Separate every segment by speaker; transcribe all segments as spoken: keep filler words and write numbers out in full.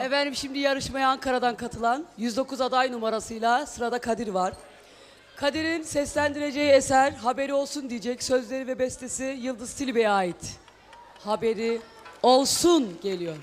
Speaker 1: Efendim şimdi yarışmaya Ankara'dan katılan yüz dokuz aday numarasıyla sırada Kadir var. Kadir'in seslendireceği eser Haberi Olsun diyecek. Sözleri ve bestesi Yıldız Tilbe'ye ait. Haberi Olsun geliyor.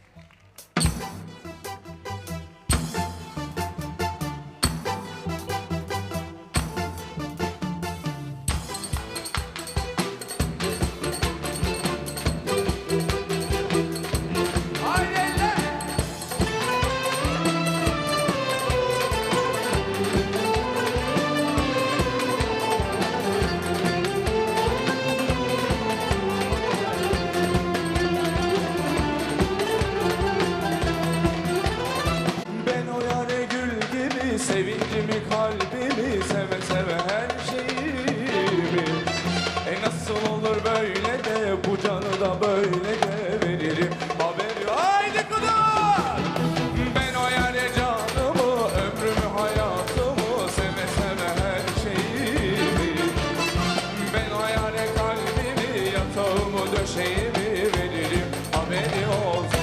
Speaker 2: Sevincimi, kalbimi, seve seve her şeyimi. E nasıl olur böyle de, bu canı da böyle de veririm. Haberi haydi kudur. Ben o yare canımı, ömrümü, hayatımı, seve seve her şeyimi. Ben o yare kalbimi, yatağımı, döşeğimi veririm. Haberi olsun.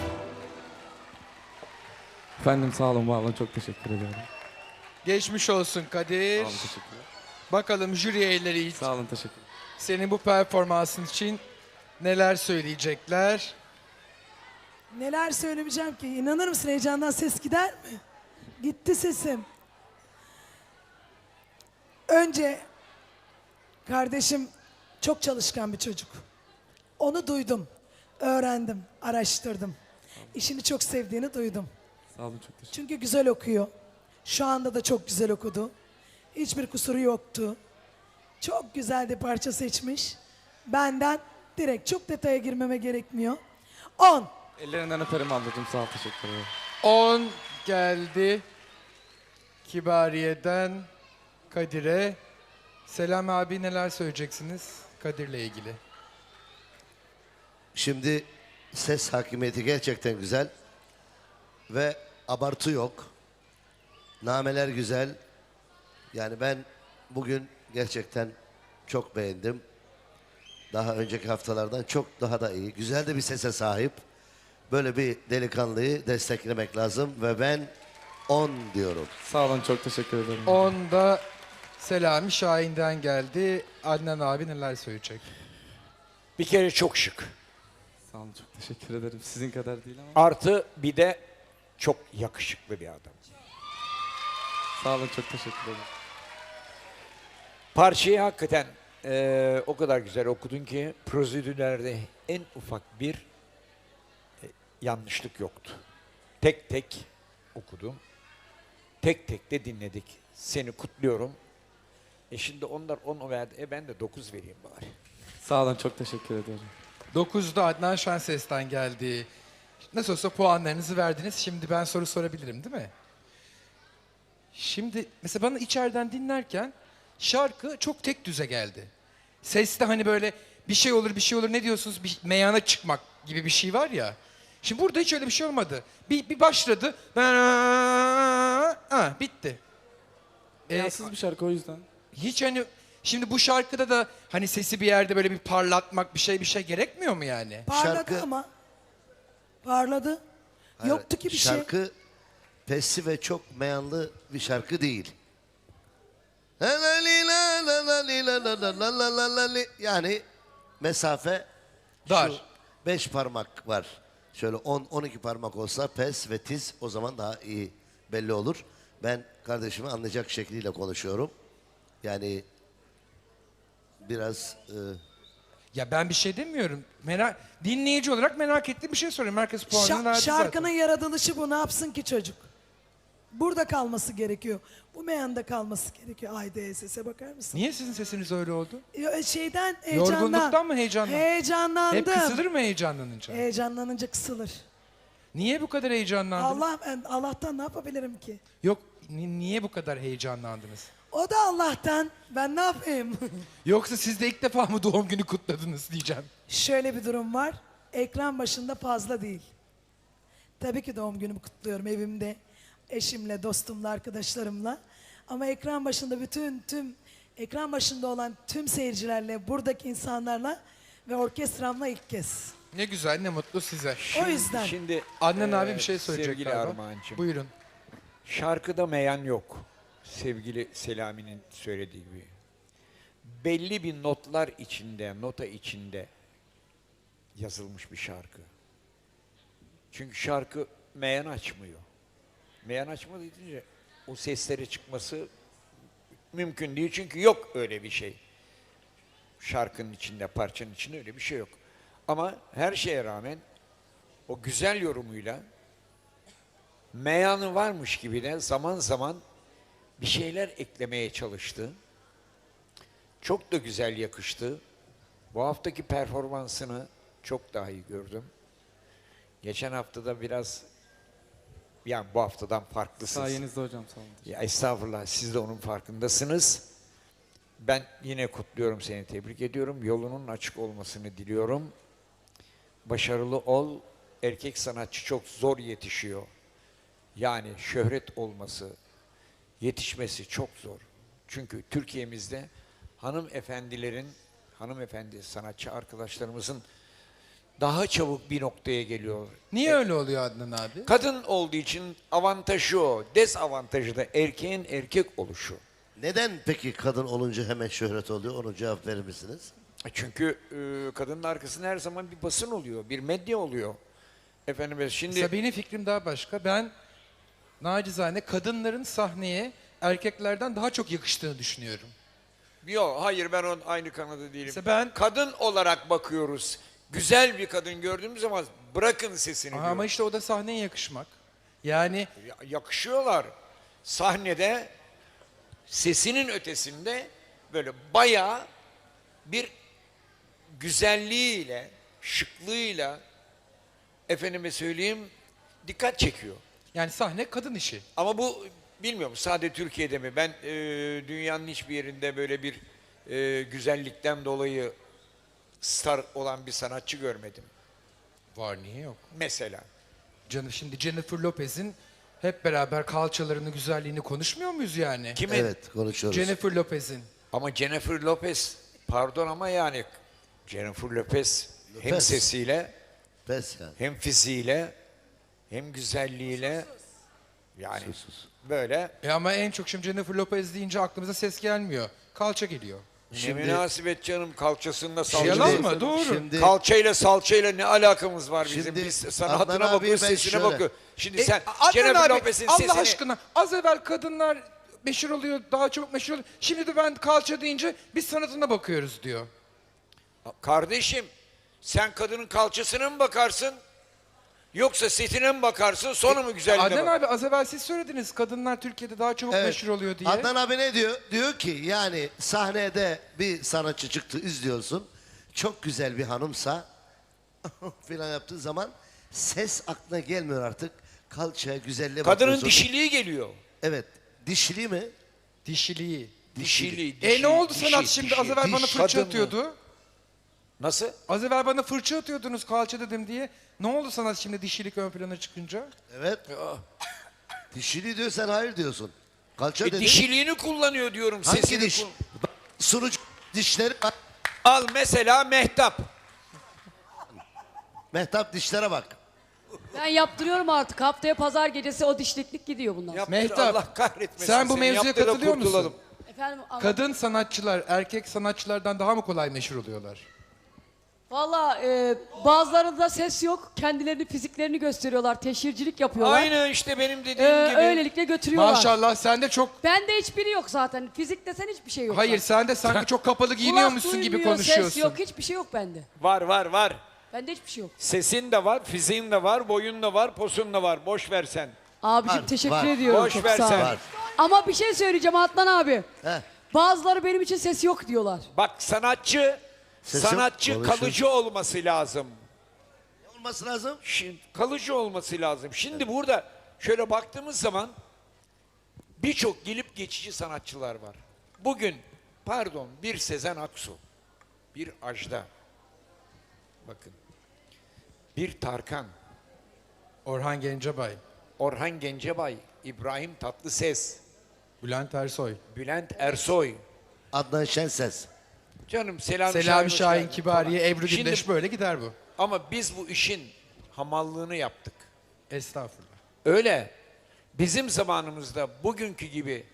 Speaker 3: Efendim sağ olun, var olun, çok teşekkür ederim.
Speaker 4: Geçmiş olsun Kadir.
Speaker 3: Sağ olun, teşekkürler.
Speaker 4: Bakalım jüri üyeleri
Speaker 3: Sağ olun, teşekkür ederim.
Speaker 4: senin bu performansın için neler söyleyecekler?
Speaker 5: Neler söylemeyeceğim ki? İnanır mısın, heyecandan ses gider mi? Gitti sesim. Önce kardeşim çok çalışkan bir çocuk. Onu duydum, öğrendim, araştırdım. İşini çok sevdiğini duydum.
Speaker 3: Sağ olun, çok teşekkür
Speaker 5: Çünkü güzel okuyor. Şu anda da çok güzel okudu. Hiçbir kusuru yoktu. Çok güzel bir parça seçmiş. Benden direkt, çok detaya girmeme gerekmiyor. On.
Speaker 3: Ellerinden öperim ablacığım, sağ ol, teşekkür ederim.
Speaker 4: on geldi. Kibariye'den Kadir'e. Selam abi, neler söyleyeceksiniz Kadir'le ilgili?
Speaker 6: Şimdi ses hakimiyeti gerçekten güzel ve abartı yok. Nameler güzel. Yani ben bugün gerçekten çok beğendim. Daha önceki haftalardan çok daha da iyi. Güzel de bir sese sahip. Böyle bir delikanlıyı desteklemek lazım ve ben on diyorum.
Speaker 3: Sağ olun, çok teşekkür ederim.
Speaker 4: on da Selami Şahin'den geldi. Adnan abi neler söyleyecek?
Speaker 7: Bir kere çok şık.
Speaker 3: Sağ olun, çok teşekkür ederim. Sizin kadar değil ama.
Speaker 7: Artı bir de çok yakışıklı bir adam.
Speaker 3: Sağ olun, çok teşekkür ederim.
Speaker 7: Parçayı hakikaten eee, o kadar güzel okudun ki prosedürlerde en ufak bir e, yanlışlık yoktu. Tek tek okudum. Tek tek de dinledik. Seni kutluyorum. E şimdi onlar on verdi. E ben de dokuz vereyim bari.
Speaker 3: Sağ olun, çok teşekkür ederim.
Speaker 4: dokuzda Adnan Şenses'ten geldi. Nasıl olsa puanlarınızı verdiniz. Şimdi ben soru sorabilirim değil mi? Şimdi mesela bana içeriden dinlerken şarkı çok tek düze geldi. Seste hani böyle bir şey olur bir şey olur ne diyorsunuz, bir meyana çıkmak gibi bir şey var ya. Şimdi burada hiç öyle bir şey olmadı. Bir, bir başladı. Ha, bitti. Ee,
Speaker 3: Yansız bir şarkı o yüzden.
Speaker 4: hiç hani şimdi bu şarkıda da hani sesi bir yerde böyle bir parlatmak bir şey bir şey gerekmiyor mu yani?
Speaker 5: Parladı
Speaker 6: Şarkı-
Speaker 5: ama. Parladı.
Speaker 6: Hayır,
Speaker 5: Yoktu ki bir şey.
Speaker 6: Şarkı pesli ve çok meyanlı bir şarkı değil. Yani mesafe
Speaker 4: Dar.
Speaker 6: şu beş parmak var. Şöyle on on iki parmak olsa pes ve tiz, o zaman daha iyi belli olur. Ben kardeşimi anlayacak şekliyle konuşuyorum. Yani biraz e,
Speaker 4: Ya ben bir şey demiyorum. Merak, dinleyici olarak merak ettiğim bir şey soruyorum. Herkes puanını
Speaker 5: Şa-
Speaker 4: verdi
Speaker 5: şarkının
Speaker 4: zaten.
Speaker 5: yaratılışı bu. Ne yapsın ki çocuk? Burada kalması gerekiyor. Bu meyanda kalması gerekiyor. Ay D S S'e bakar mısın?
Speaker 4: Niye sizin sesiniz öyle oldu?
Speaker 5: Ya, Şeyden, heyecandan.
Speaker 4: Yorgunluktan mı, heyecandan?
Speaker 5: Heyecanlandım.
Speaker 4: Hep kısılır mı heyecanlanınca?
Speaker 5: Heyecanlanınca kısılır.
Speaker 4: Niye bu kadar heyecanlandınız?
Speaker 5: Allah, ben Allah'tan ne yapabilirim ki?
Speaker 4: Yok, ni- niye bu kadar heyecanlandınız?
Speaker 5: O da Allah'tan. Ben ne yapayım?
Speaker 4: Yoksa siz de ilk defa mı doğum günü kutladınız diyeceğim.
Speaker 5: Şöyle bir durum var. Ekran başında fazla değil. Tabii ki doğum günümü kutluyorum evimde. Eşimle, dostumla, arkadaşlarımla. Ama ekran başında bütün tüm ekran başında olan tüm seyircilerle, buradaki insanlarla ve orkestramla ilk kez.
Speaker 4: Ne güzel, ne mutlu size.
Speaker 5: O yüzden.
Speaker 7: Şimdi
Speaker 4: Adnan
Speaker 7: e,
Speaker 4: abi bir şey söyleyecek
Speaker 7: sevgili
Speaker 4: galiba.
Speaker 7: Armağan'cığım.
Speaker 4: Buyurun.
Speaker 7: Şarkıda meyan yok. Sevgili Selami'nin söylediği gibi. Belli bir notlar içinde, nota içinde yazılmış bir şarkı. Çünkü şarkı meyan açmıyor. Meyan açmadığı deyince o seslere çıkması mümkün değil. Çünkü yok öyle bir şey. Şarkının içinde, parçanın içinde öyle bir şey yok. Ama her şeye rağmen o güzel yorumuyla meyanı varmış gibi de zaman zaman bir şeyler eklemeye çalıştı. Çok da güzel yakıştı. Bu haftaki performansını çok daha iyi gördüm. Geçen haftada biraz, yani bu haftadan farklısınız.
Speaker 3: Sayenizde hocam, sağ olun.
Speaker 7: Ya estağfurullah, siz de onun farkındasınız. Ben yine kutluyorum seni, tebrik ediyorum. Yolunun açık olmasını diliyorum. Başarılı ol. Erkek sanatçı çok zor yetişiyor. Yani şöhret olması, yetişmesi çok zor. Çünkü Türkiye'mizde hanımefendilerin, hanımefendi sanatçı arkadaşlarımızın daha çabuk bir noktaya geliyor.
Speaker 4: Niye öyle oluyor Adnan abi?
Speaker 7: Kadın olduğu için avantajı o, dezavantajı da erkeğin erkek oluşu.
Speaker 6: Neden peki kadın olunca hemen şöhret oluyor? Onu cevap verir misiniz?
Speaker 7: Çünkü e, kadının arkasında her zaman bir basın oluyor, bir medya oluyor. Efendim şimdi
Speaker 4: Mesela benim fikrim daha başka. Ben nacizane kadınların sahneye erkeklerden daha çok yakıştığını düşünüyorum.
Speaker 7: yok, hayır, ben onun aynı kanada değilim.
Speaker 4: Mesela ben-
Speaker 7: Kadın olarak bakıyoruz. Güzel bir kadın gördüğümüz zaman bırakın sesini
Speaker 4: Aha,
Speaker 7: diyor.
Speaker 4: ama işte o da sahneye yakışmak. Yani
Speaker 7: Ya- yakışıyorlar. Sahnede sesinin ötesinde böyle bayağı bir güzelliğiyle, şıklığıyla, efendime söyleyeyim, dikkat çekiyor.
Speaker 4: yani sahne kadın işi.
Speaker 7: Ama bu bilmiyorum sadece Türkiye'de mi? Ben e, dünyanın hiçbir yerinde böyle bir e, güzellikten dolayı star olan bir sanatçı görmedim.
Speaker 4: Var, niye yok?
Speaker 7: Mesela.
Speaker 4: Canım şimdi Jennifer Lopez'in hep beraber kalçalarını, güzelliğini konuşmuyor muyuz yani?
Speaker 7: Kimin?
Speaker 6: Evet, konuşuyoruz.
Speaker 4: Jennifer Lopez'in.
Speaker 7: Ama Jennifer Lopez, pardon ama yani Jennifer Lopez, hem
Speaker 6: Lopez.
Speaker 7: sesiyle,
Speaker 6: Pes yani.
Speaker 7: hem fiziğiyle, hem güzelliğiyle, yani
Speaker 6: Sus, sus.
Speaker 7: böyle
Speaker 4: E ama en çok şimdi Jennifer Lopez deyince aklımıza ses gelmiyor. Kalça geliyor.
Speaker 7: ne münasebet canım, kalçasında salça.
Speaker 4: Yalan mı? Doğru.
Speaker 6: Şimdi,
Speaker 7: Kalçayla salçayla ne alakamız var bizim?
Speaker 6: Şimdi
Speaker 7: Biz
Speaker 6: Adnan
Speaker 7: sanatına
Speaker 6: abiye
Speaker 7: bakıyoruz,
Speaker 6: ben
Speaker 7: sesine
Speaker 6: şöyle-
Speaker 7: bakıyoruz. Şimdi
Speaker 4: E,
Speaker 7: sen
Speaker 4: Adnan
Speaker 7: Jennifer
Speaker 4: abi,
Speaker 7: Lopez'in
Speaker 4: Allah
Speaker 7: sesini...
Speaker 4: aşkına az evvel kadınlar meşhur oluyor, daha çabuk meşhur oluyor. Şimdi de ben kalça deyince biz sanatına bakıyoruz diyor.
Speaker 7: Kardeşim, sen kadının kalçasına mı bakarsın? Yoksa setine mi bakarsın, sonra mı güzelliğine
Speaker 4: Adnan
Speaker 7: bak?
Speaker 4: abi az evvel siz söylediniz kadınlar Türkiye'de daha çabuk
Speaker 6: Evet.
Speaker 4: meşhur oluyor diye.
Speaker 6: Adnan abi ne diyor? Diyor ki yani sahnede bir sanatçı çıktı, izliyorsun. Çok güzel bir hanımsa filan yaptığı zaman ses aklına gelmiyor artık. Kalçaya, güzelliğe
Speaker 7: Kadının
Speaker 6: bakıyorsun.
Speaker 7: dişiliği geliyor.
Speaker 6: Evet. Dişili mi?
Speaker 4: Dişiliği.
Speaker 7: Dişili,
Speaker 4: E
Speaker 7: dişi,
Speaker 4: ne oldu
Speaker 7: dişi,
Speaker 4: sanat şimdi?
Speaker 7: dişi.
Speaker 4: Az evvel bana
Speaker 6: diş,
Speaker 4: fırça
Speaker 7: kadın mı?
Speaker 4: atıyordu.
Speaker 7: Nasıl?
Speaker 4: Az evvel bana fırça atıyordunuz kalça dedim diye. Ne oldu sanat şimdi dişilik ön plana çıkınca?
Speaker 6: Evet. Dişili diyor, sen hayır diyorsun. Kalça
Speaker 7: E,
Speaker 6: dedin.
Speaker 7: dişiliğini kullanıyor diyorum.
Speaker 6: Hangi
Speaker 7: sesini
Speaker 6: diş?
Speaker 7: kul-
Speaker 6: Bak, sunucu dişleri var.
Speaker 7: Al mesela Mehtap.
Speaker 6: Mehtap dişlere bak.
Speaker 1: Ben yaptırıyorum artık. Haftaya pazar gecesi o dişliklik gidiyor bundan.
Speaker 7: Yaptır,
Speaker 4: Mehtap,
Speaker 7: Allah kahretmesin.
Speaker 4: sen bu
Speaker 7: seni.
Speaker 4: mevzuya
Speaker 7: Yaptır da
Speaker 4: katılıyor musun?
Speaker 7: kurtulalım.
Speaker 1: Efendim anlat-
Speaker 4: Kadın sanatçılar erkek sanatçılardan daha mı kolay meşhur oluyorlar?
Speaker 1: Valla e, bazılarında ses yok. Kendilerini, fiziklerini gösteriyorlar. Teşhircilik yapıyorlar.
Speaker 7: Aynı işte benim dediğim
Speaker 1: E,
Speaker 7: gibi.
Speaker 1: öylelikle götürüyorlar.
Speaker 4: Maşallah sende çok...
Speaker 1: Bende hiçbiri yok zaten. Fizik desen hiçbir şey yok.
Speaker 4: Hayır
Speaker 1: zaten.
Speaker 4: sen de sanki çok kapalı
Speaker 1: Kulak
Speaker 4: giyiniyormuşsun gibi
Speaker 1: duymuyor,
Speaker 4: konuşuyorsun.
Speaker 1: Ses yok. Hiçbir şey yok bende.
Speaker 7: Var var var.
Speaker 1: Bende hiçbir şey yok.
Speaker 7: Sesin de var, fiziğin de var, boyun da var, posun da var. Boş ver sen.
Speaker 1: Abicim
Speaker 6: Var,
Speaker 1: teşekkür
Speaker 6: var.
Speaker 1: ediyorum.
Speaker 7: Boş
Speaker 1: çok
Speaker 7: ver
Speaker 1: sağ ol.
Speaker 7: sen.
Speaker 6: Var.
Speaker 1: Ama bir şey söyleyeceğim Adnan abi.
Speaker 6: Heh.
Speaker 1: Bazıları benim için ses yok diyorlar.
Speaker 7: Bak sanatçı,
Speaker 6: Sesim
Speaker 7: sanatçı
Speaker 6: konuşuyor.
Speaker 7: kalıcı olması lazım.
Speaker 6: Ne olması lazım?
Speaker 7: Şimdi, kalıcı olması lazım. Şimdi burada şöyle baktığımız zaman birçok gelip geçici sanatçılar var. Bugün pardon bir Sezen Aksu, bir Ajda, bakın bir Tarkan,
Speaker 4: Orhan Gencebay,
Speaker 7: Orhan Gencebay, İbrahim Tatlıses,
Speaker 4: Bülent Ersoy,
Speaker 7: Bülent Ersoy,
Speaker 6: Adnan Şenses.
Speaker 7: canım Selami,
Speaker 4: Selami
Speaker 7: hoş
Speaker 4: Şahin
Speaker 7: geldin
Speaker 4: Kibariye,
Speaker 7: falan.
Speaker 4: Ebru
Speaker 7: Şimdi
Speaker 4: Gündeş böyle gider bu.
Speaker 7: Ama biz bu işin hamallığını yaptık.
Speaker 4: Estağfurullah.
Speaker 7: Öyle. Bizim zamanımızda bugünkü gibi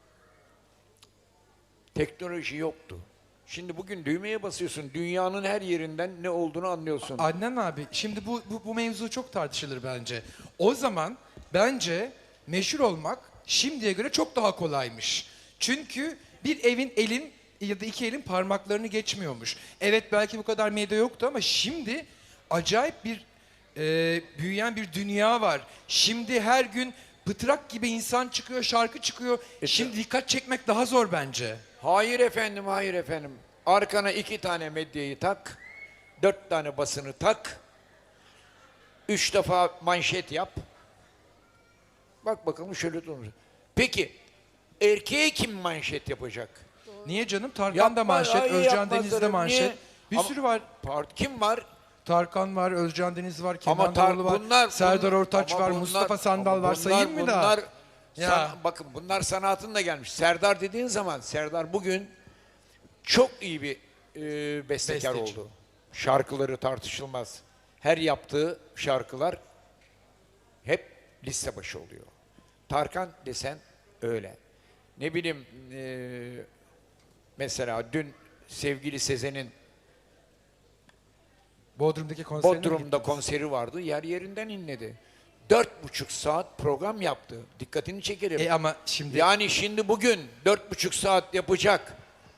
Speaker 7: teknoloji yoktu. Şimdi bugün düğmeye basıyorsun. Dünyanın her yerinden ne olduğunu anlıyorsun.
Speaker 4: Adnan abi şimdi bu, bu, bu mevzu çok tartışılır bence. O zaman bence meşhur olmak şimdiye göre çok daha kolaymış. Çünkü bir evin elin ya da iki elin parmaklarını geçmiyormuş. Evet belki bu kadar medya yoktu ama şimdi acayip bir e, büyüyen bir dünya var. Şimdi her gün pıtrak gibi insan çıkıyor, şarkı çıkıyor. Şimdi dikkat çekmek daha zor bence.
Speaker 7: Hayır efendim, hayır efendim. Arkana iki tane medyayı tak, dört tane basını tak, üç defa manşet yap. Bak bakalım şöyle dur. Peki, erkeğe kim manşet yapacak?
Speaker 4: Niye canım? Tarkan
Speaker 7: Yapma,
Speaker 4: da manşet,
Speaker 7: hayır,
Speaker 4: Özcan
Speaker 7: yapmazlar.
Speaker 4: Deniz de manşet.
Speaker 7: Niye?
Speaker 4: Bir
Speaker 7: Ama-
Speaker 4: sürü var.
Speaker 7: Part- Kim var?
Speaker 4: Tarkan var, Özcan Deniz var, Kenan
Speaker 7: Ama tar-
Speaker 4: Doğulu var,
Speaker 7: bunlar,
Speaker 4: Serdar
Speaker 7: bunlar-
Speaker 4: Ortaç
Speaker 7: ama
Speaker 4: var,
Speaker 7: bunlar-
Speaker 4: Mustafa Sandal
Speaker 7: ama
Speaker 4: var. Sayayım
Speaker 7: bunlar-
Speaker 4: mı daha?
Speaker 7: bunlar
Speaker 4: Ya.
Speaker 7: san- bakın bunlar sanatında gelmiş. Serdar dediğin zaman Serdar bugün çok iyi bir e, bestekar
Speaker 4: Besteci.
Speaker 7: oldu. Şarkıları tartışılmaz. Her yaptığı şarkılar hep liste başı oluyor. Tarkan desen öyle. Ne bileyim e, mesela dün sevgili Sezen'in
Speaker 4: Bodrum'daki konserine mi
Speaker 7: Bodrum'da
Speaker 4: gittiniz?
Speaker 7: konseri vardı. Yer yerinden inledi. Dört buçuk saat program yaptı. Dikkatini çekerim.
Speaker 4: E ama şimdi
Speaker 7: Yani şimdi bugün dört buçuk saat yapacak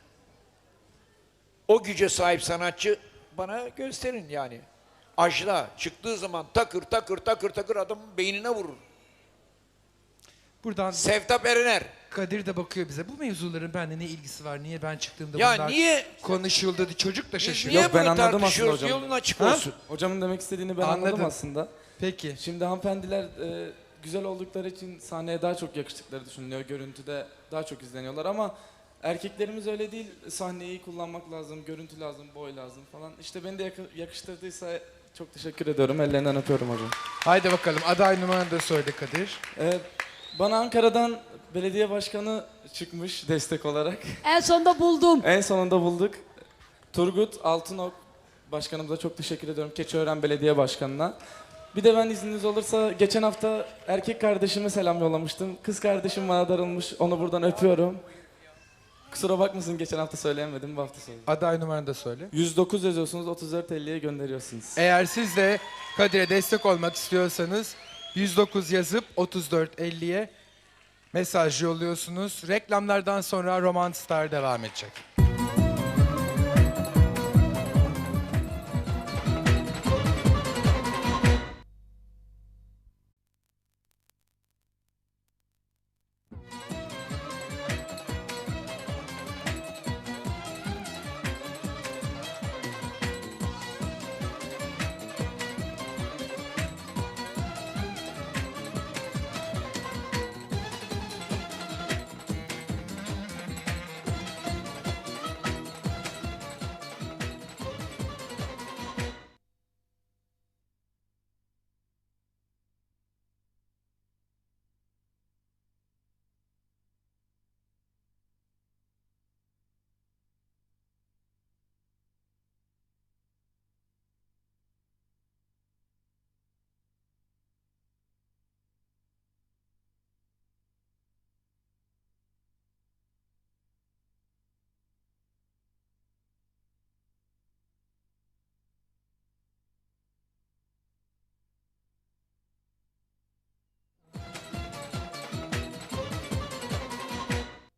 Speaker 7: o güce sahip sanatçı bana gösterin yani. Ajda çıktığı zaman takır takır takır takır adamın beynine vurur.
Speaker 4: buradan
Speaker 7: Sevtap Erener.
Speaker 4: Kadir de bakıyor bize. Bu mevzuların bende ne ilgisi var? Niye ben çıktığımda
Speaker 7: Ya
Speaker 4: bunlar
Speaker 7: niye
Speaker 4: konuşuldu? Çocuk da
Speaker 7: biz
Speaker 4: şaşırıyor.
Speaker 7: niye
Speaker 3: Yok, ben
Speaker 7: bunu
Speaker 3: anladım aslında
Speaker 7: tartışıyoruz?
Speaker 3: hocam.
Speaker 7: Yolun açık
Speaker 4: Ha?
Speaker 7: olsun.
Speaker 3: Hocamın demek istediğini ben anladım,
Speaker 4: Anladım.
Speaker 3: aslında.
Speaker 4: Peki.
Speaker 3: Şimdi hanımefendiler e, güzel oldukları için sahneye daha çok yakıştıkları düşünülüyor. Görüntüde daha çok izleniyorlar ama erkeklerimiz öyle değil. Sahneyi iyi kullanmak lazım, görüntü lazım, boy lazım falan. İşte beni de yakı- yakıştırdıysa çok teşekkür ediyorum. Ellerinden öpüyorum hocam.
Speaker 4: Haydi bakalım aday numaranı da söyle Kadir.
Speaker 3: E, bana Ankara'dan belediye başkanı çıkmış destek olarak.
Speaker 1: En sonunda buldum.
Speaker 3: En sonunda bulduk. Turgut Altınok başkanımıza çok teşekkür ediyorum. Keçiören Belediye Başkanı'na. Bir de ben izniniz olursa geçen hafta erkek kardeşime selam yollamıştım. Kız kardeşim bana darılmış. Onu buradan öpüyorum. Kusura bakmasın geçen hafta söyleyemedim. Bu hafta söyledim.
Speaker 4: Aday numaranı da söyle.
Speaker 3: yüz dokuz yazıyorsunuz, otuz dört elliye gönderiyorsunuz.
Speaker 4: Eğer siz de Kadir'e destek olmak istiyorsanız yüz dokuz yazıp otuz dört elliye mesaj yolluyorsunuz. Reklamlardan sonra Roman Star devam edecek.